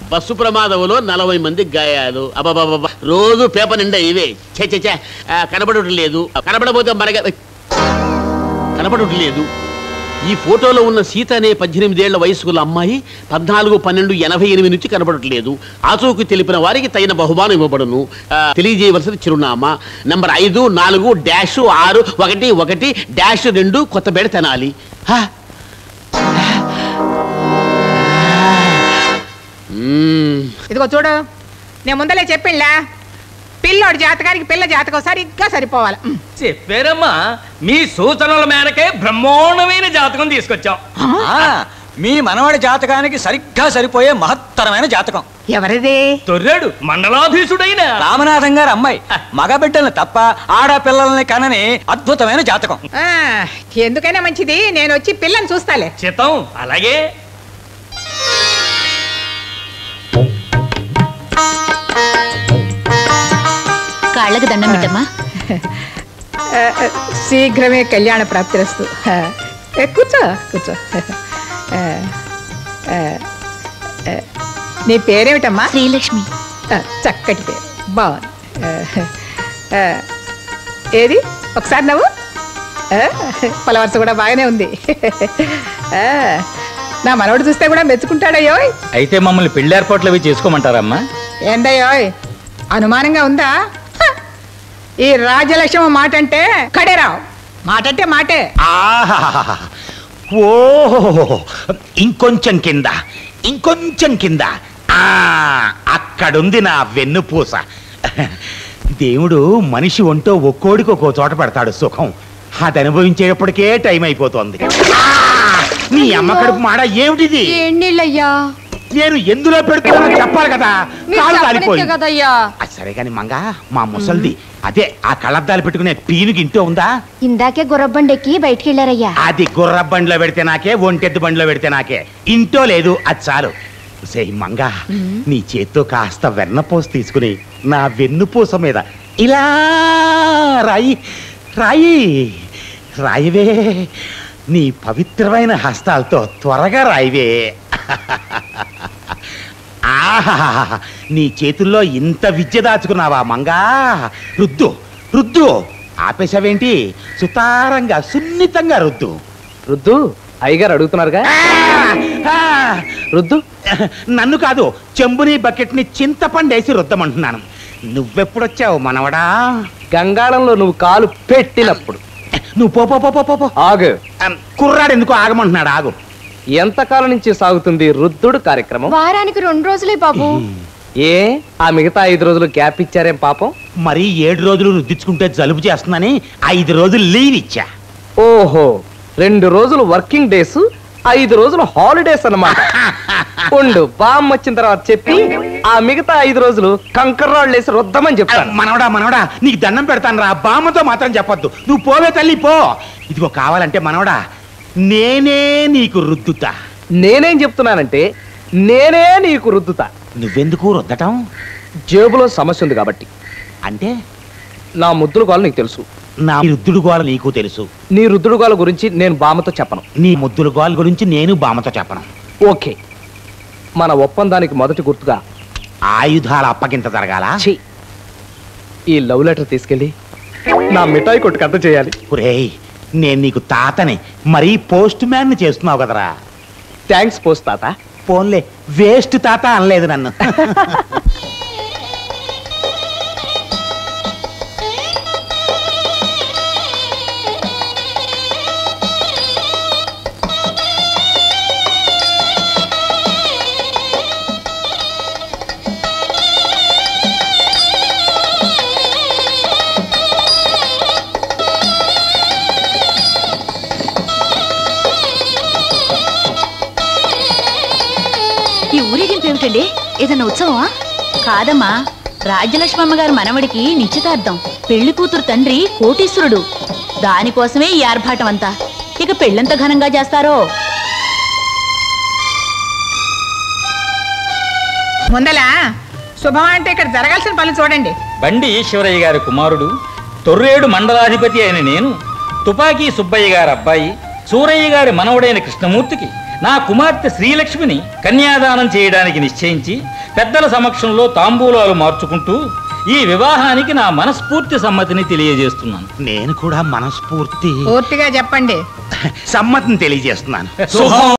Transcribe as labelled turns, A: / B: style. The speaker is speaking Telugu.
A: బస్సు ప్రమాదంలో 40 మందికి గాయాలు. అబ్బాబాబా, రోజు పేపర్ నిండా ఇవే. చే కనబడటం లేదు. కనబడబోతే మనగా కనబడటం లేదు. ఈ ఫోటోలో ఉన్న సీత అనే 18 ఏళ్ల వయసుకున్న అమ్మాయి 14/12/88 నుంచి కనబడట్లేదు. ఆచూకు తెలిపిన వారికి తగిన బహుమానం ఇవ్వబడును. తెలియజేయవలసిన చిరునామా నంబర్ 54-611-2 కొత్తపేట తెనాలి.
B: ఇదిగో చూడు, నేను ముందలే చెప్పిండ్లా, పిల్లోడి జాతకానికి పిల్ల జాతకం సరిగ్గా సరిపోవాలి.
C: చెప్పారమ్మా, మీ సూచనల మేరకే బ్రహ్మోన్నమైన జాతకం తీసుకొచ్చాం.
D: మీ మనవడి జాతకానికి సరిగ్గా సరిపోయే మహత్తరమైన జాతకం.
B: ఎవరిది?
C: తొర్రాడు మండలాధీశుడైన
D: రామనాథం గారు అమ్మాయి. మగబిడ్డల్ని తప్ప ఆడపిల్లల్ని కనని అద్భుతమైన జాతకం.
B: ఎందుకైనా మంచిది, నేను వచ్చి పిల్లని చూస్తాలే.
C: చిత్తం, అలాగే.
E: కాళ్ళకు దండం పెట్టమ్మా.
B: శీఘ్రమే కళ్యాణ ప్రాప్తిరస్తు. కూర్చో కూర్చో. నీ పేరేమిటమ్మా?
E: శ్రీలక్ష్మి.
B: చక్కటి పేరు, బాగుంది. ఏది ఒకసారి నవ్వు. పలవరస కూడా బాగానే ఉంది. నా మనవడు చూస్తే కూడా మెచ్చుకుంటాడయ్యో.
D: అయితే మమ్మల్ని పెళ్లి ఏర్పాట్లు అవి చేసుకోమంటారమ్మా?
B: ఏందయ్యోయ్, అనుమానంగా ఉందా? ఈ రాజలక్ష్మి మాట అంటే కడేరావు, మాట అంటే మాటే.
F: ఓహో, ఇంకొంచెం కింద, ఇంకొంచెం కింద. అక్కడుంది నా వెన్నుపూస. దేవుడు మనిషి ఒంటో ఒక్కోడికి ఒక్కో చోట పెడతాడు సుఖం. అది అనుభవించేటప్పటికే టైం అయిపోతుంది. నీ అమ్మ కడుపు మాడ ఏమిటిది? నేను ఎందులో పెడుతున్నా చెప్పాలి కదా. సరే కాని మంగా, మా ముసల్ది అదే ఆ కళ్ళద్దాలు పెట్టుకునే పీనుకి ఇంట్లో ఉందా?
E: ఇందాకే గుర్రబండెక్కి బయటికి వెళ్ళారయ్యా.
F: అది గుర్ర బండిలో పెడితే నాకే, ఒంటెద్దు బండిలో పెడితే నాకే. ఇంట్లో లేదు, అది చాలు. సే మంగా, నీ చేత్తో కాస్త వెన్నపూస తీసుకుని నా వెన్నుపూస మీద ఇలా రాయి రాయి రాయివే. నీ పవిత్రమైన హస్తాలతో త్వరగా రాయివే. ఆహా, నీ చేతుల్లో ఇంత విద్య దాచుకున్నావా మంగా? రుద్దు రుద్దు. ఆపేశావేంటి? సుతారంగా సున్నితంగా రుద్దు.
D: రుద్దు. అయ్యగారు అడుగుతున్నారుగా. రుద్దు.
F: నన్ను కాదు, చెంబుని బకెట్ని చింతపండేసి రుద్దమంటున్నాను. నువ్వెప్పుడొచ్చావు మనవడా?
D: గంగాళంలో నువ్వు కాలు పెట్టినప్పుడు.
F: నువ్వు పో.
D: ఆగు.
F: కుర్రాడు ఎందుకు ఆగమంటున్నాడు? ఆగు.
D: ఎంతకాలం నుంచి సాగుతుంది రుద్దుడు కార్యక్రమం?
E: వారానికి 2 రోజులే బాబు.
D: ఏ, ఆ మిగతా 5 రోజులు గ్యాప్ ఇచ్చారేం పాపం?
F: మరి 7 రోజులు రుద్దించుకుంటే జలుబు చేస్తుందని 5 రోజులు లీవ్ ఇచ్చా.
D: ఓహో, 2 రోజులు వర్కింగ్ డేస్, 5 రోజులు హాలిడేస్ అన్నమాట. ఉండు, బామ్ వచ్చిన తర్వాత చెప్పి ఆ మిగతా 5 రోజులు కంకర్రాళ్ళు వేసి రుద్దమని చెప్తాను.
F: మనవడా నీకు దండం పెడతాను రా. బామ్మతో మాత్రం చెప్పొద్దు. నువ్వు పోవే తల్లి, పో. ఇదిగో కావాలంటే మనవడా, నేనే నీకు రుద్దుతా.
D: నేనేం చెప్తున్నానంటే, నేనే నీకు రుద్దుతా.
F: నువ్వెందుకు రుద్దటం?
D: జేబులో సమస్య ఉంది కాబట్టి.
F: అంటే
D: నా ముద్దుల గోల నీకు తెలుసు,
F: నా రుద్దుడు గోల నీకు తెలుసు.
D: నీ రుద్దుడు గోల గురించి నేను బామ్మతో చెప్పను.
F: నీ ముద్దుల గోల గురించి నేను బామ్మతో చెప్పను.
D: ఓకే, మన ఒప్పందానికి మొదటి గుర్తుగా
F: ఆయుధాల అప్పగింత జరగాల.
D: ఈ లవ్ లెటర్ తీసుకెళ్ళి నా మిఠాయి కొట్టుకు అంత చేయాలి.
F: ఒరేయ్, నేను నీకు తాతని, మరీ పోస్ట్ మ్యాన్ చేస్తున్నావు కదరా.
D: థ్యాంక్స్ పోస్ట్ తాత.
F: పోన్లే, వేస్ట్ తాత అనలేదు నన్ను.
E: ఈ ఊరేగింపు ఏమిటండి? ఏదన్నా ఉత్సవమా? కాదమ్మా, రాజ్యలక్ష్మి అమ్మగారు మనవడికి నిశ్చితార్థం. పెళ్లి కూతురు తండ్రి కోటీశ్వరుడు. దానికోసమే ఈ ఆర్భాటం అంతా. ఇక పెళ్ళంత ఘనంగా చేస్తారో.
B: ముందలా శుభం అంటే ఇక్కడ జరగాల్సిన పనులు చూడండి.
C: బండి ఈశ్వరయ్య గారి కుమారుడు, తొర్రేడు మండలాధిపతి అయిన నేను, తుపాకీ సుబ్బయ్య గారి అబ్బాయి, సూరయ్య గారి మనవడైన కృష్ణమూర్తికి నా కుమార్తె శ్రీలక్ష్మిని కన్యాదానం చేయడానికి నిశ్చయించి పెద్దల సమక్షంలో తాంబూలాలు మార్చుకుంటూ ఈ వివాహానికి నా మనస్ఫూర్తి సమ్మతిని తెలియజేస్తున్నాను.
F: నేను కూడా మనస్ఫూర్తి
B: పూర్తిగా చెప్పండి.
F: సమ్మతిని తెలియజేస్తున్నాను.